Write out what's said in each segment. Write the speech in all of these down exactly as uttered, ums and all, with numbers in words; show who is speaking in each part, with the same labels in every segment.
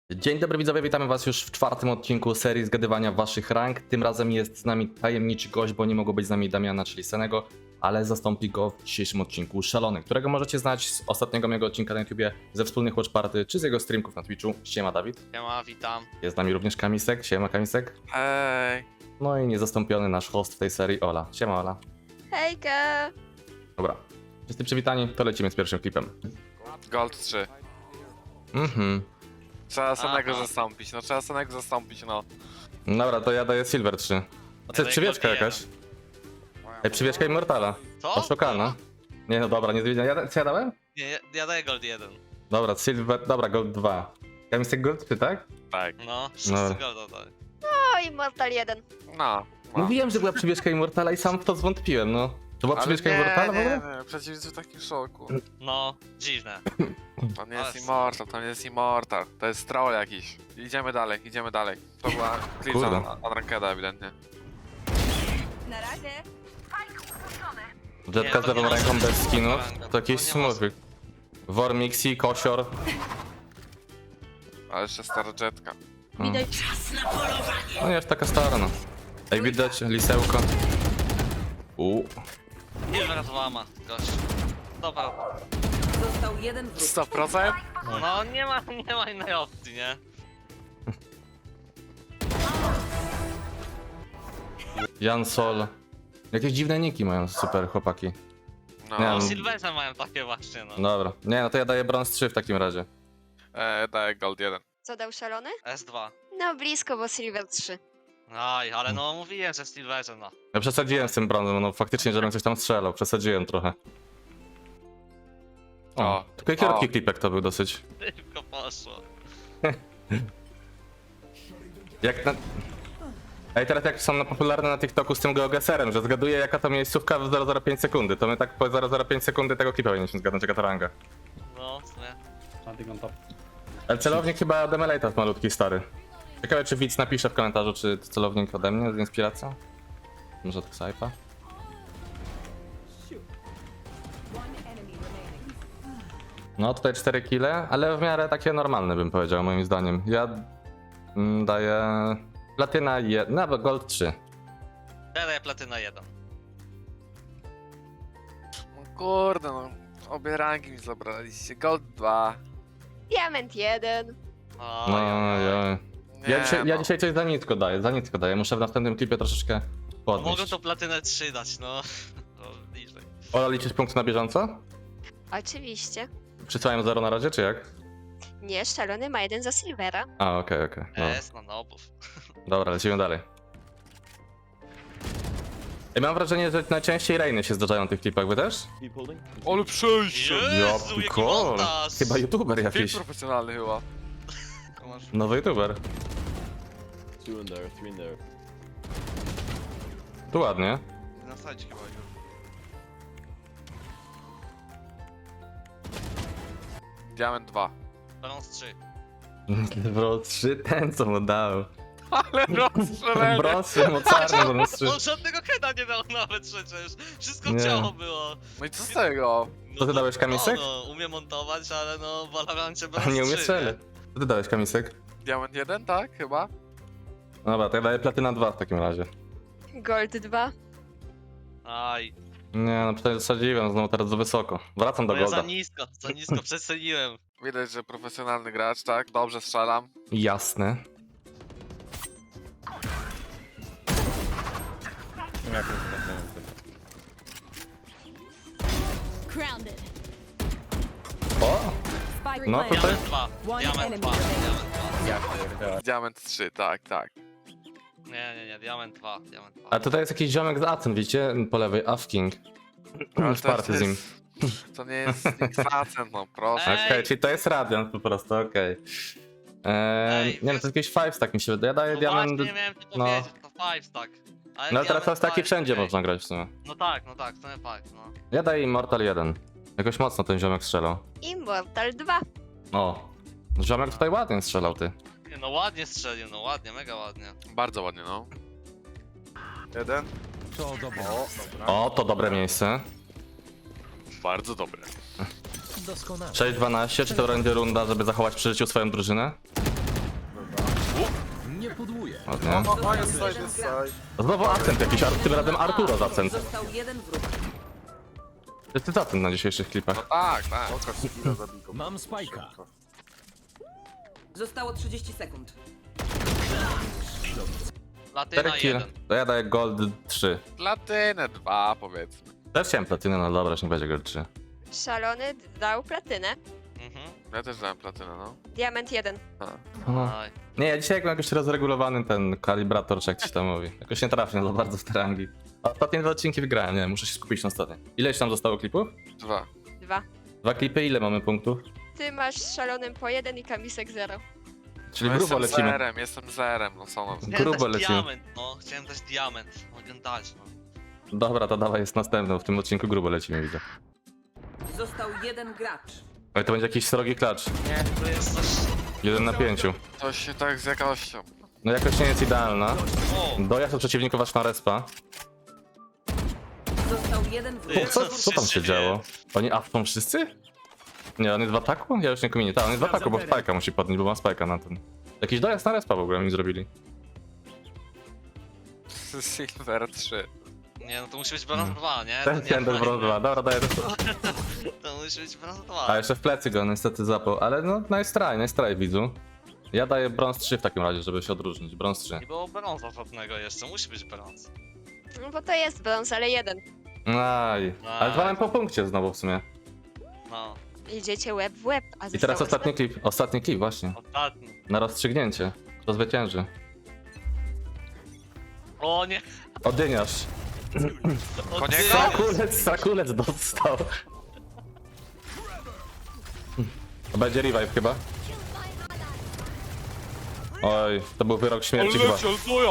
Speaker 1: Dzień dobry widzowie, witamy was już w czwartym odcinku serii zgadywania waszych rank. Tym razem jest z nami tajemniczy gość, bo nie mogło być z nami Damiana, czyli Senego, ale zastąpi go w dzisiejszym odcinku Szalony, którego możecie znać z ostatniego mojego odcinka na YouTubie, ze wspólnych watch party, czy z jego streamków na Twitchu. Siema Dawid.
Speaker 2: Siema, witam.
Speaker 1: Jest z nami również Kamisek. Siema Kamisek.
Speaker 3: Hej.
Speaker 1: No i niezastąpiony nasz host w tej serii, Ola. Siema Ola.
Speaker 4: Hejka!
Speaker 1: Dobra, wszyscy przywitani, to lecimy z pierwszym klipem.
Speaker 3: Gold trzy.
Speaker 1: Mhm.
Speaker 3: Trzeba samego
Speaker 2: Aha.
Speaker 3: zastąpić, no trzeba samego zastąpić, no.
Speaker 1: Dobra, to ja daję Silver trzy. A co,
Speaker 2: daję
Speaker 1: przywieczka
Speaker 2: Gold
Speaker 1: jakaś? Ej, przywieczka Immortala.
Speaker 2: Co?
Speaker 1: Oszukana. Nie no dobra, nie zwiedziłem. Ja, co ja dałem?
Speaker 2: Nie, ja, ja daję Gold jeden.
Speaker 1: Dobra, Silver, dobra, Gold dwa. Kamisek Gold trzy, tak?
Speaker 3: Tak.
Speaker 2: No, wszyscy
Speaker 1: No.
Speaker 2: Golda dają.
Speaker 4: O, Immortal jeden.
Speaker 3: No. no.
Speaker 1: Mówiłem, że była przywieszka Immortala i sam w to zwątpiłem, no. To była
Speaker 3: Ale
Speaker 1: przywieszka
Speaker 3: nie,
Speaker 1: Immortala w
Speaker 3: nie,
Speaker 1: ogóle?
Speaker 3: nie, przeciwnicy w takim szoku.
Speaker 2: No, dziwne.
Speaker 3: To nie
Speaker 2: Ale
Speaker 3: jest Immortal, to nie jest Immortal. To jest troll jakiś. Idziemy dalej, idziemy dalej. To była klipsa
Speaker 1: Kurde.
Speaker 3: na Unrankeda ewidentnie.
Speaker 4: Na razie.
Speaker 1: Jetka
Speaker 2: Nie,
Speaker 1: z
Speaker 2: to nie
Speaker 1: lewą
Speaker 2: ma
Speaker 1: ręką
Speaker 2: sensu.
Speaker 1: bez skinów.
Speaker 2: To
Speaker 1: To jakieś
Speaker 2: nie ma
Speaker 1: smurfy. Wormixi, Kosior.
Speaker 3: Ale jeszcze stara jetka.
Speaker 4: Widać.
Speaker 1: No nie aż taka stara, no. Ej, widać lisełko. Uuu.
Speaker 2: Nie wyratowała ma, gość. Dobra.
Speaker 5: Został jeden wróg.
Speaker 3: sto procent?
Speaker 2: No, nie ma, nie ma innej opcji, nie?
Speaker 1: Jan Sol. Jakieś dziwne niki mają super chłopaki.
Speaker 3: No.
Speaker 1: Nie,
Speaker 2: No,
Speaker 1: no.
Speaker 2: Silverze mają takie właśnie, no.
Speaker 1: Dobra. Nie, no to ja daję brąz trzy w takim razie.
Speaker 3: E, daję Gold jeden.
Speaker 4: Co dał szalony?
Speaker 2: S dwa.
Speaker 4: No blisko, bo Silver trzy.
Speaker 2: Aj, ale no mówiłem, że w Silverze, no.
Speaker 1: Ja przesadziłem z tym brązem, no faktycznie, żebym coś tam strzelał. Przesadziłem trochę. O,
Speaker 3: O.
Speaker 1: tylko krótki
Speaker 3: O.
Speaker 1: klipek to był dosyć.
Speaker 2: Szybko poszło.
Speaker 1: Jak na... Ej, teraz jak są na popularne na TikToku z tym geogeserem, że zgaduję jaka to miejscówka w zero zero pięć sekundy, to my tak po zero zero pięć sekundy tego klipa powinniśmy zgadnąć, jaka to ranga.
Speaker 2: No, w sumie.
Speaker 1: Ale celownik chyba od Emelata malutki, stary. Ciekawe, czy widz napisze w komentarzu, czy to celownik ode mnie z inspiracją? Może od Xaipa? No, tutaj cztery kile, ale w miarę takie normalne bym powiedział, moim zdaniem. Ja mm, daję platyna jeden, nawet gold trzy.
Speaker 2: Ja daję platyna jeden.
Speaker 3: No kurde, no. Obie rangi mi zabraliście. Gold dwa.
Speaker 4: Diament jeden.
Speaker 2: O,
Speaker 1: No,
Speaker 2: oj, oj.
Speaker 1: ja,
Speaker 3: Nie,
Speaker 1: ja, dzisiaj, ja
Speaker 3: no.
Speaker 1: dzisiaj coś za nitko daję, za nitko daję. Muszę w następnym klipie troszeczkę
Speaker 2: Mogą
Speaker 1: podnieść.
Speaker 2: to platynę trzy dać, no. No, bliżej.
Speaker 1: Ola, liczysz punkty na bieżąco?
Speaker 4: Oczywiście.
Speaker 1: Przysłałem zero na razie, czy jak?
Speaker 4: Nie, szalony ma jeden za Silvera.
Speaker 1: A, okej, okej. No.
Speaker 2: S na nobów.
Speaker 1: Dobra, lecimy dalej. I mam wrażenie, że najczęściej Reiny się zdarzają w tych klipach, wy też?
Speaker 3: Ale przejście!
Speaker 2: Jezu, jaki
Speaker 1: pikol.
Speaker 2: montaż!
Speaker 1: Chyba youtuber
Speaker 3: Film
Speaker 1: jakiś.
Speaker 3: profesjonalny chyba.
Speaker 1: Nowy youtuber.
Speaker 6: Two in there, three in there.
Speaker 1: Tu ładnie.
Speaker 2: Na sajcie chyba już.
Speaker 3: Diament dwa.
Speaker 2: Brąz trzy.
Speaker 1: Bro, trzy ten co mu dał.
Speaker 3: Ale rozstrzelenie!
Speaker 1: Brązy mocarny, brąz trzy.
Speaker 2: On żadnego heada nie dał nawet przecież. Wszystko
Speaker 1: Nie.
Speaker 2: ciało było.
Speaker 3: No i co z tego?
Speaker 2: No
Speaker 1: Co ty
Speaker 2: to-
Speaker 1: dałeś, Kamisek?
Speaker 2: No, no, umiem montować, ale no w Valorancie brąz
Speaker 1: A nie umie
Speaker 2: trzy,
Speaker 1: strzelić. Co ty dałeś, Kamisek?
Speaker 3: Diament jeden, tak? Chyba?
Speaker 1: Dobra, to ja daję platyna dwa w takim razie.
Speaker 4: Gold dwa.
Speaker 2: Aj,
Speaker 1: Nie, no tutaj zasadziłem, znowu teraz za wysoko. Wracam do
Speaker 2: bo ja za
Speaker 1: golda.
Speaker 2: nisko, za nisko przeceniłem.
Speaker 3: Widać, że profesjonalny gracz, tak? Dobrze strzelam.
Speaker 1: Jasne.
Speaker 5: Grounded.
Speaker 1: O!
Speaker 5: Spike
Speaker 1: No,
Speaker 5: planted.
Speaker 1: tutaj-
Speaker 2: Diament dwa,
Speaker 5: One
Speaker 2: diament
Speaker 5: enemy
Speaker 2: dwa,
Speaker 5: remaining.
Speaker 2: diament dwa.
Speaker 3: Diament trzy, tak, tak.
Speaker 2: Nie, nie, nie, diament dwa, diament dwa.
Speaker 1: A tutaj jest jakiś ziomek z Aten, widzicie? Po lewej, Afking.
Speaker 3: Ale
Speaker 1: Już
Speaker 3: to
Speaker 1: party z nim.
Speaker 3: jest- To nie jest X-Acent, no proszę.
Speaker 2: Ej.
Speaker 1: Okej, czyli to jest Radiant po prostu, okej. Eee,
Speaker 2: Ej,
Speaker 1: nie no, to jest jakiś five stack mi się wydaje. Ja daję
Speaker 2: No
Speaker 1: diament.
Speaker 2: właśnie, miałem to
Speaker 1: no.
Speaker 2: powiedzieć, to five stack. Ale
Speaker 1: No ale teraz
Speaker 2: diament
Speaker 1: to jest taki
Speaker 2: dwa
Speaker 1: wszędzie
Speaker 2: okej.
Speaker 1: można grać w sumie.
Speaker 2: No tak, no tak, to nie five, no.
Speaker 1: Ja daję Immortal jeden. Jakoś mocno ten ziomek strzelał.
Speaker 4: Immortal dwa.
Speaker 1: O. Ziomek tutaj ładnie strzelał, ty.
Speaker 2: Nie, no ładnie strzelił, no ładnie, mega ładnie.
Speaker 3: Bardzo ładnie, no. Jeden.
Speaker 6: To dobre.
Speaker 1: O, to dobre miejsce.
Speaker 3: Bardzo dobre.
Speaker 6: Doskonale.
Speaker 1: sześć dwanaście, czy to będzie runda, żeby zachować przy życiu swoją drużynę?
Speaker 6: Nie pudłuję.
Speaker 1: Ładnie.
Speaker 7: O, o, jest side, jest side.
Speaker 1: Znowu akcent jakiś, Ar- tym razem Arturo z akcent.
Speaker 5: Został jeden wróg.
Speaker 1: To jest akcent na dzisiejszych
Speaker 3: No
Speaker 1: klipach.
Speaker 3: tak, tak.
Speaker 7: Pokaż skilla zabitą.
Speaker 6: Mam spajka.
Speaker 5: Zostało trzydzieści sekund.
Speaker 2: Latyna
Speaker 1: cztery kill.
Speaker 2: jeden.
Speaker 1: To ja daję gold trzy.
Speaker 3: Platynę dwa powiedzmy.
Speaker 1: Też chciałem platynę, no dobra, już nie będzie gold trzy.
Speaker 4: Szalony dał platynę.
Speaker 2: Mhm.
Speaker 3: Ja też dałem platynę, no.
Speaker 4: Diament jeden.
Speaker 2: Aj.
Speaker 1: Nie, ja dzisiaj jakbym jakoś rozregulowany ten kalibrator, czy jak ci tam mówi. Jakoś nie trafię za bardzo w te rangi. A ostatnie dwa odcinki wygrałem, nie, muszę się skupić na ostatnie. Ileś tam zostało klipów?
Speaker 3: Dwa.
Speaker 4: Dwa.
Speaker 1: Dwa klipy, ile mamy punktów?
Speaker 4: Ty masz z szalonym po jeden i kamisek zero.
Speaker 1: Czyli
Speaker 3: No
Speaker 1: grubo
Speaker 3: jestem
Speaker 1: lecimy.
Speaker 3: zerem, jestem zerem, no co mam.
Speaker 2: Chciałem
Speaker 1: Grubo
Speaker 2: dać
Speaker 1: lecimy.
Speaker 2: diament, no. Chciałem dać diament. Mogę dać, no.
Speaker 1: Dobra, to dawaj, jest następny, w tym odcinku grubo lecimy, widzę.
Speaker 5: Został jeden gracz.
Speaker 1: Ale to będzie jakiś srogi klacz.
Speaker 2: Nie, to jest coś...
Speaker 1: Jeden na pięciu.
Speaker 3: To się tak z jakością.
Speaker 1: No jakoś nie jest idealna.
Speaker 2: O!
Speaker 1: Dojazd do przeciwników aż na respa.
Speaker 5: Został jeden wróg.
Speaker 2: Ty,
Speaker 1: Co, co tam się
Speaker 2: się
Speaker 1: działo? Oni afton wszyscy? Nie, on jest w ataku? Ja już nie kominie. Tak, on jest w ataku, bo spajka musi podnieść, bo ma spajka na ten. Jakiś dojazd na respa w ogóle mi zrobili.
Speaker 3: Silver trzy.
Speaker 2: Nie, no to musi być brąz dwa, nie? To
Speaker 1: Ten
Speaker 2: nie
Speaker 1: ten
Speaker 2: fajne.
Speaker 1: brąz dwa. Dobra, daję to.
Speaker 2: To musi być brąz
Speaker 1: A
Speaker 2: dwa.
Speaker 1: jeszcze w plecy go niestety zapał, ale no nice try, nice try widzu. Ja daję brąz trzy w takim razie, żeby się odróżnić. Brąz trzy.
Speaker 2: Nie było brąza żadnego jeszcze, musi być brąz.
Speaker 4: No bo to jest brąz, ale jeden.
Speaker 1: Aj. Ale dwa mam po punkcie znowu w sumie.
Speaker 2: No,
Speaker 4: Idziecie łeb w łeb, a
Speaker 1: I teraz
Speaker 4: zostało
Speaker 1: ostatni klip. Ostatni klip właśnie.
Speaker 2: ostatni.
Speaker 1: Na rozstrzygnięcie. Kto zwycięży?
Speaker 2: O nie!
Speaker 1: Odyniarz.
Speaker 2: O,
Speaker 3: Koniec?
Speaker 2: ty!
Speaker 1: Sakulec, sakulec dostał. To będzie revive chyba. Oj, to był wyrok śmierci chyba.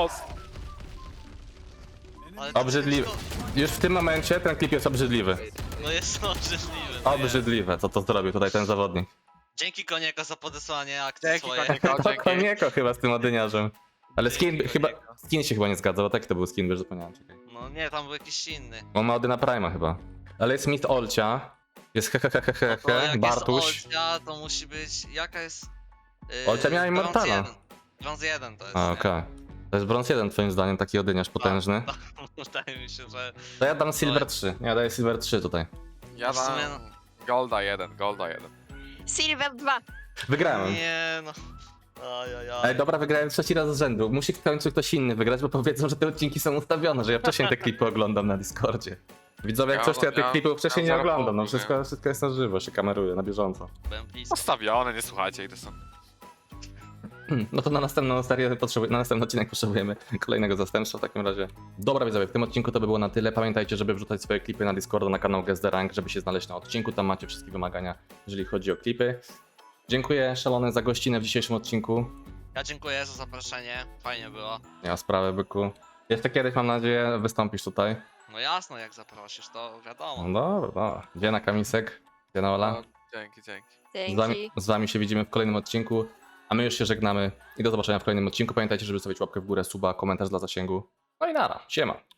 Speaker 2: Ale to-
Speaker 1: Obrzydliwy. Już w tym momencie ten klip jest obrzydliwy.
Speaker 2: No jest obrzydliwy. no jest.
Speaker 1: Obrzydliwe, co to zrobił tutaj ten zawodnik.
Speaker 2: Dzięki Konieko za podesłanie akcji
Speaker 3: Dzięki
Speaker 2: swojej.
Speaker 3: Konieko,
Speaker 1: To
Speaker 3: dzięki.
Speaker 1: konieko chyba z tym odyniarzem. Ale skin,
Speaker 2: Dzięki,
Speaker 1: chyba,
Speaker 2: Konieko.
Speaker 1: skin się chyba nie zgadza, bo taki to był skin, wiesz, zapomniałem, czekaj.
Speaker 2: No nie, tam był jakiś inny.
Speaker 1: On ma Odyna Prima chyba. Ale jest Mit Olcia, jest hehehehehe,
Speaker 2: To jak
Speaker 1: Bartuś.
Speaker 2: jest Olcia, to musi być... Jaka jest... Yy,
Speaker 1: Olcia miała
Speaker 2: brąz
Speaker 1: Immortala.
Speaker 2: jeden. Brąz jeden to jest,
Speaker 1: A,
Speaker 2: nie?
Speaker 1: okej. To jest brąz jeden twoim zdaniem, taki odyniarz potężny.
Speaker 2: Wydaje mi się, że...
Speaker 1: To ja dam Silver trzy, ja daję Silver trzy tutaj.
Speaker 3: Ja
Speaker 2: W sumie
Speaker 3: dam Golda jeden, Golda jeden.
Speaker 4: Silver dwa.
Speaker 1: Wygrałem.
Speaker 2: Nie no... Ajajaj.
Speaker 1: Ej, dobra, wygrałem trzeci raz z rzędu. Musi w końcu ktoś inny wygrać, bo powiedzą, że te odcinki są ustawione, że ja wcześniej te klipy oglądam na Discordzie. Widzowie, jak
Speaker 3: Ja-
Speaker 1: coś, to ja tych
Speaker 3: ja-
Speaker 1: klipów wcześniej nie
Speaker 3: ja zaraz
Speaker 1: oglądam, no
Speaker 3: powiem.
Speaker 1: wszystko, wszystko jest na żywo, się kameruje, na bieżąco.
Speaker 2: Byłem blisko.
Speaker 3: Postawione, nie słuchajcie, i to są.
Speaker 1: Hmm, No to na następną serię potrzebuj, na następny odcinek potrzebujemy kolejnego zastępstwa w takim razie. Dobra widzowie, w tym odcinku to by było na tyle. Pamiętajcie, żeby wrzucać swoje klipy na Discorda, na kanał Guess the Rank, żeby się znaleźć na odcinku. Tam macie wszystkie wymagania, jeżeli chodzi o klipy. Dziękuję Szalony za gościnę w dzisiejszym odcinku.
Speaker 2: Ja dziękuję za zaproszenie, fajnie było.
Speaker 1: Nie ma sprawy, byku. Jeszcze kiedyś, mam nadzieję, wystąpisz tutaj.
Speaker 2: No jasno, jak zaprosisz, to wiadomo.
Speaker 1: No dobra, dobra. Gdzie na Kamisek? Gdzie na Ola?
Speaker 3: No, dzięki, dzięki.
Speaker 1: Z wami,
Speaker 4: Dzięki.
Speaker 1: z wami się widzimy w kolejnym odcinku, a my już się żegnamy i do zobaczenia w kolejnym odcinku. Pamiętajcie, żeby zostawić łapkę w górę, suba, komentarz dla zasięgu. No i nara, siema.